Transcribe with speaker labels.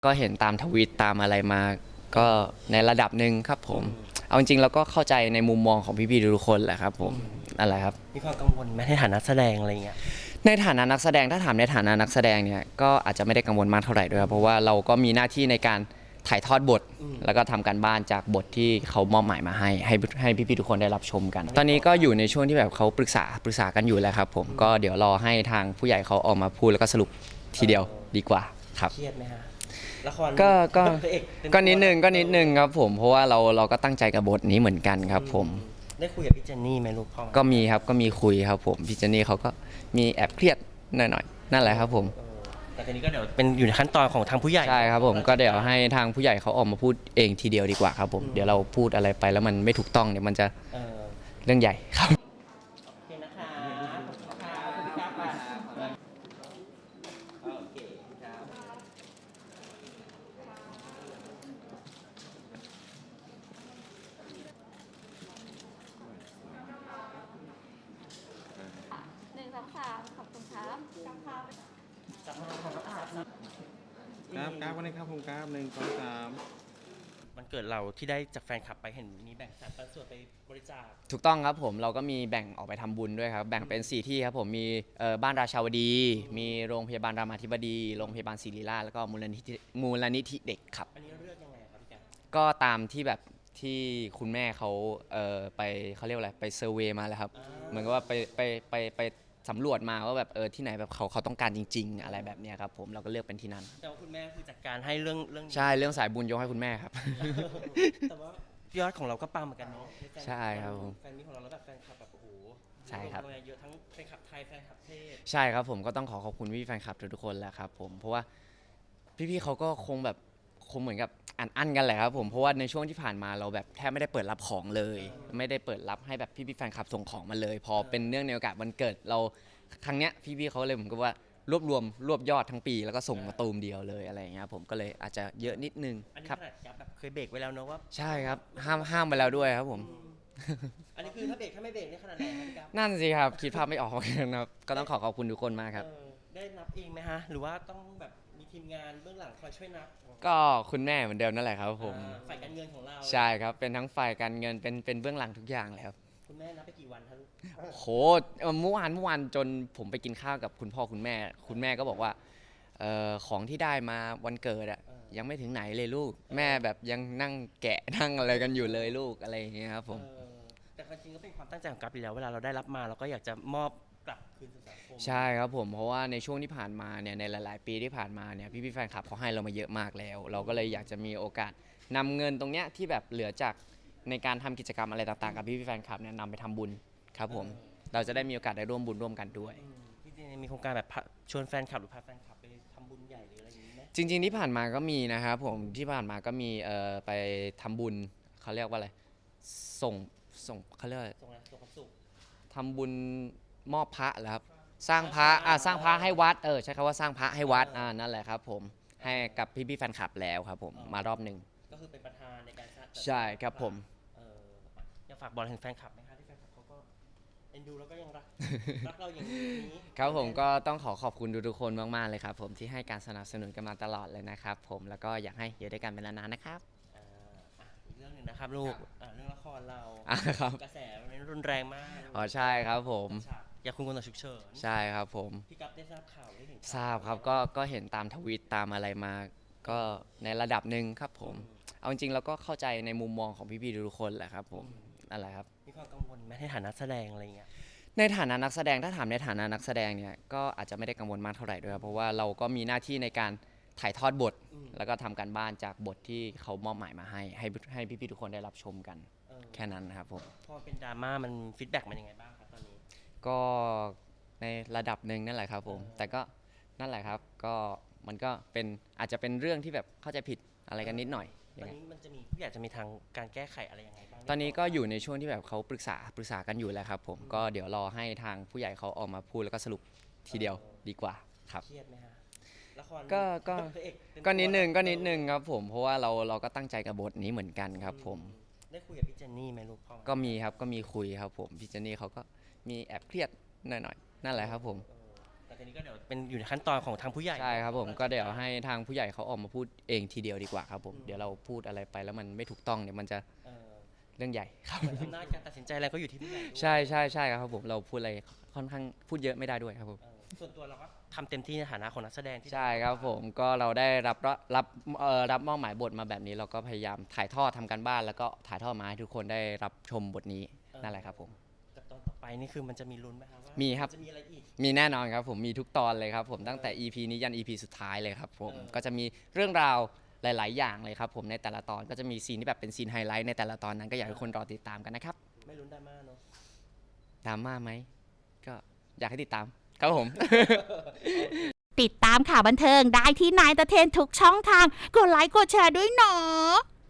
Speaker 1: ก็เห็นตามทวิตตามอะไรมาก็ในระดับหนึ่งครับผมเอาจริงๆเราก็เข้าใจในมุมมองของพี่ๆทุกคนแหละครับผมอะไรครับ
Speaker 2: มีความกังวลไหมในฐานะแสดงอะไรเงี้ย
Speaker 1: ในฐานะนักแสดงถ้าถามในฐานะนักแสดงเนี่ยก็อาจจะไม่ได้กังวลมากเท่าไหร่ด้วยครับเพราะว่าเราก็มีหน้าที่ในการถ่ายทอดบทแล้วก็ทำการบ้านจากบทที่เขามอบหมายมาให้พี่ๆทุกคนได้รับชมกัน ตอนนี้ก็อยู่ในช่วงที่แบบเขาปรึกษากันอยู่แล้วครับผมก็เดี๋ยวรอให้ทางผู้ใหญ่เขาออกมาพูดแล้วก็สรุปทีเดียวดีกว่าครับ
Speaker 2: เครียดไหมฮะละคร
Speaker 1: ก็ก็
Speaker 2: พระเอกเป็
Speaker 1: ก็นิดนึงครับผมเพราะว่าเราก็ตั้งใจกับบทนี้เหมือนกันครับผม
Speaker 2: ได้คุยกับพี่เจนนี่ไหมลูกพ่อ
Speaker 1: ก็มีครับก็มีคุยครับผมพี่เจนนี่เขาก็มีแอบเครียดหน่อยๆนั่นแหละครับผม
Speaker 2: แต่ทีนี้ก็เดี๋ยวเป็นอยู่ในขั้นตอนของทางผู้ใหญ่
Speaker 1: ใช่ครับผมก็เดี๋ยวให้ทางผู้ใหญ่เขาออกมาพูดเองทีเดียวดีกว่าครับผมเดี๋ยวเราพูดอะไรไปแล้วมันไม่ถูกต้องเนี่ยมันจะ
Speaker 2: เออ
Speaker 1: เรื่องใหญ่ครับ
Speaker 2: โอเคนะคะขอบคุณค่ะขอบคุณพี่ก้าวค่ะโอเคครับ
Speaker 3: 1 2 3ขอบคุณครับ
Speaker 2: จับมาของน้องอาบ
Speaker 4: กราฟวันนี้ครับผมกราฟ1 2 3
Speaker 2: มันเกิดเราที่ได้จากแฟนคลับไปเห็นมีแบ่งสรรปันส่วนไปบริจาค
Speaker 1: ถูกต้องครับผมเราก็มีแบ่งออกไปทำบุญด้วยครับแบ่งเป็น4ที่ครับผมมีบ้านราชาวดีมีโรงพยาบาลรามาธิบดีโรงพยาบาลศิริราชแล้วก็มูลนิธิเด็กครับ
Speaker 2: อันนี้เลือกยังไงครับพี่แก
Speaker 1: ก็ตามที่แบบที่คุณแม่เขาไปเขาเรียกว่าอะไรไปเซอร์เวย์มาแล้วครับเหมือนกับว่าไปสำรวจมาว่าแบบที่ไหนแบบเขาต้องการจริงๆอะไรแบบเนี้ยครับผมเราก็เลือกเป็นที่นั้น
Speaker 2: แต่ว่าคุณแม่คือจัดการให้เรื่องนี้
Speaker 1: ใช่เรื่องสายบุญยกให้คุณแม่ครับ
Speaker 2: แต่ว่ายอดของเราก็ปังเหมือนกันเนาะ
Speaker 1: ใช่ครับผม
Speaker 2: แฟนมิตรของเราแล้วแบบแฟนคลับแบบโอ้โห
Speaker 1: ใช่ครับ
Speaker 2: เยอะทั้งแฟนคลับไทยแฟนคลับเทศ
Speaker 1: ใช่ครับผมก็ต้องขอบคุณพี่แฟนคลับทุกๆคนแหละครับผมเพราะว่าพี่ๆเขาก็คงเหมือนกับอันกันแหละครับผมเพราะว่าในช่วงที่ผ่านมาเราแบบแทบไม่ได้เปิดรับของเลยไม่ได้เปิดรับให้แบบพี่ๆแฟนคลับส่งของมาเลยพอเป็นเนื่องในโอกาสวันเกิดเราครั้งเนี้ยพี่ๆเขาเลยเหมือนกับว่ารวบยอดทั้งปีแล้วก็ส่งมาตูมเดียวเลยอะไรอย่างเงี้ยผมก็เลยอาจจะเยอะนิดนึง
Speaker 2: อันนี้
Speaker 1: ครับ
Speaker 2: ขนาดยับแบบเคยเบรกไว้แล้วเนอะว่า
Speaker 1: ใช่ครับห้ามไปแล้วด้วยครับผม
Speaker 2: อันนี้คือถ้าเบรกถ้าไม่เบรกนี่ขนาดไหนครับพี่กั๊บ
Speaker 1: นั่นสิครับคิดภาพไม่ออกนะครับก็ต้องขอบคุณทุกคนมากครับ
Speaker 2: ได้นับเองไหมฮะหรือว่าต้องแบบมีทีมงานเบื้องหลังคอยช่วยนับ
Speaker 1: ก็คุณแม่เหมือนเดิมนั่นแหละครับผม
Speaker 2: ฝ่ายการเงินของเรา
Speaker 1: ใช่ครับเป็นทั้งฝ่ายการเงินเป็นเบื้องหลังทุกอย่างเลยครับ
Speaker 2: คุณแม่นับไปกี่วันครับลูก
Speaker 1: โหเมื่อวานจนผมไปกินข้าวกับคุณพ่อคุณแม่ก็บอกว่าของที่ได้มาวันเกิดอะยังไม่ถึงไหนเลยลูกแม่แบบยังนั่งแกะนั่งอะไรกันอยู่เลยลูกอะไรอย่างเงี้ยครับผม
Speaker 2: แต่จริงๆก็เป็นความตั้งใจของกัปอยู่แล้วเวลาเราได้รับมาเราก็อยากจะมอบกลับคืนสู่สังคม
Speaker 1: ใช่ครับผมเพราะว่าในช่วงที่ผ่านมาเนี่ยในหลายๆปีที่ผ่านมาเนี่ยพี่ๆแฟนคลับเขาให้เรามาเยอะมากแล้วเราก็เลยอยากจะมีโอกาสนำเงินตรงเนี้ยที่แบบเหลือจากในการทำกิจกรรมอะไรต่างๆกับพี่ๆแฟนคลับเนี่ยนำไปทำบุญครับผมเราจะได้มีโอกาสได้ร่วมบุญร่วมกันด้วย
Speaker 2: ที่จริงๆมีโครงการแบบชวนแฟนคลับหรือพาแฟนคลับไปทำบุญใหญ่หรืออะไรอย่างนี้ไหม
Speaker 1: จริงๆที่ผ่านมาก็มีนะครับผมที่ผ่านมาก็มีไปทำบุญเขาเรียกว่าอะไรส่งเขาเรียกว่า
Speaker 2: ส่งอะไรส่งความสุข
Speaker 1: ทำบุญมอบพระเหรอครับสร้างพระสร้างพระให้วัดใช้คำว่าสร้างพระให้วัดนั่นแหละครับผมให้กับพี่ๆแฟนคลับแล้วครับผมมารอบหนึ่ง
Speaker 2: ก็คือเป็นประธานในการสร้าง
Speaker 1: ใช่ครับผม
Speaker 2: เอออยากฝากบอลถึงแฟนคลับไหมคะที่แฟนคลับเขาก็เอ็นดูแล้วก็ยังรักเราอย่างนี้
Speaker 1: ครับผมก็ต้องขอบคุณทุกๆคนมากๆเลยครับผมที่ให้การสนับสนุนกันมาตลอดเลยนะครับผมแล้วก็อยากให้อยู่ด้วยกันเป็นนานๆนะครับ
Speaker 2: อีกเรื่องหนึ่งนะครับลูกเรื่องละครเรา
Speaker 1: ครับ
Speaker 2: กระแสมันรุนแรงมาก
Speaker 1: ใช่ครับผม
Speaker 2: อยากคุณคนต่อฉุกเฉิน
Speaker 1: ใช่ครับผม
Speaker 2: พี่กัปได้ทราบข่าวได้เห็น
Speaker 1: ทราบครับก็เห็นตามทวิตตามอะไรมาก็ในระดับหนึ่งครับผมเอาจริงๆเราก็เข้าใจในมุมมองของพี่ๆทุกคนแหละครับผมนั่นแหละครับ
Speaker 2: มีความกังวลไหมในฐานะแสดงอะไรเงี้ย
Speaker 1: ในฐานะนักแสดงถ้าถามในฐานะนักแสดงเนี่ยก็อาจจะไม่ได้กังวลมากเท่าไหร่ด้วยครับเพราะว่าเราก็มีหน้าที่ในการถ่ายทอดบทแล้วก็ทำการบ้านจากบทที่เขามอบหมายมาให้พี่ๆทุกคนได้รับชมกันแค่นั้นนะครับผม
Speaker 2: พอเป็นดราม่ามันฟีดแบ็กมันยังไงบ้างครับตอนนี้
Speaker 1: ก็ในระดับหนึ่งนั่นแหละครับผมแต่ก็นั่นแหละครับก็มันก็เป็นอาจจะเป็นเรื่องที่แบบเข้าใจผิดอะไรกันนิดหน่อย
Speaker 2: ตอนนี้มันจะมีผู้ใหญ่จะมีทางการแก้ไขอะไรยังไงบ้าง
Speaker 1: ตอนนี้ก็อยู่ในช่วงที่แบบเขาปรึกษากันอยู่แล้วครับผมก็เดี๋ยวรอให้ทางผู้ใหญ่เขาออกมาพูดแล้วก็สรุปทีเดียวดีกว่าครับ
Speaker 2: เครียดไหมฮะละคร
Speaker 1: ก็นิดนึงครับผมเพราะว่าเราก็ตั้งใจกับบทนี้เหมือนกันครับผม
Speaker 2: ได้คุยกับพี่เจนนี่ไหมลูกพ่อ
Speaker 1: ก็มีครับก็มีคุยครับผมพี่เจนนี่เขาก็มีแอบเครียดหน่อยๆนั่นแหละครับผม
Speaker 2: แต่แต่นี้ก็เดี๋ยวเป็นอยู่ในขั้นตอนของทางผู้ใหญ่
Speaker 1: ใช่ครับผมก็เดี๋ยวให้ทางผู้ใหญ่เขาออกมาพูดเองทีเดียวดีกว่าครับผมเดี๋ยวเราพูดอะไรไปแล้วมันไม่ถูกต้องเนี่ยมันจะ
Speaker 2: เออ
Speaker 1: เรื่องใหญ่ครับ
Speaker 2: เหมือนอำนาจการตัดสินใจอะไรก็อยู่ที่ผู้ใหญ่ด้วย
Speaker 1: ใช่ใช่ใช่ครับผมเราพูดอะไรค่อนข้างพูดเยอะไม่ได้ด้วยครับผม
Speaker 2: ส่วนตัวเราก็ทำเต็มที่ในฐานะของนักแสดงที่
Speaker 1: ใช่ครับผมก็เราได้รับมอบหมายบทมาแบบนี้เราก็พยายามถ่ายทอดทำการบ้านแล้วก็ถ่ายทอดมาให้ทุกคนได้รับชมบทนี้นั่นแหละครับผม
Speaker 2: กับตอนต่อไปนี่คือมันจะมีลุ้นไหมครับว่า
Speaker 1: มีครับ
Speaker 2: จะมีอะไรอีก
Speaker 1: มีแน่นอนครับผมมีทุกตอนเลยครับผมตั้งแต่ EP นี้ยัน EP สุดท้ายเลยครับผมก็จะมีเรื่องราวหลาย ๆ อย่างเลยครับผมในแต่ละตอนก็จะมีซีนที่แบบเป็นซีนไฮไลท์ในแต่ละตอนนั้นก็อยากให้คนรอติดตามกันนะครับ
Speaker 2: ไม่ลุ้นดราม่าเนาะ
Speaker 1: ดราม่าไหมก็อยากให้ติดตามครับผม
Speaker 5: ติดตามข่าวบันเทิงได้ที่นายตะเทนทุกช่องทาง กดไลค์กดแชร์ด้วยเนาะ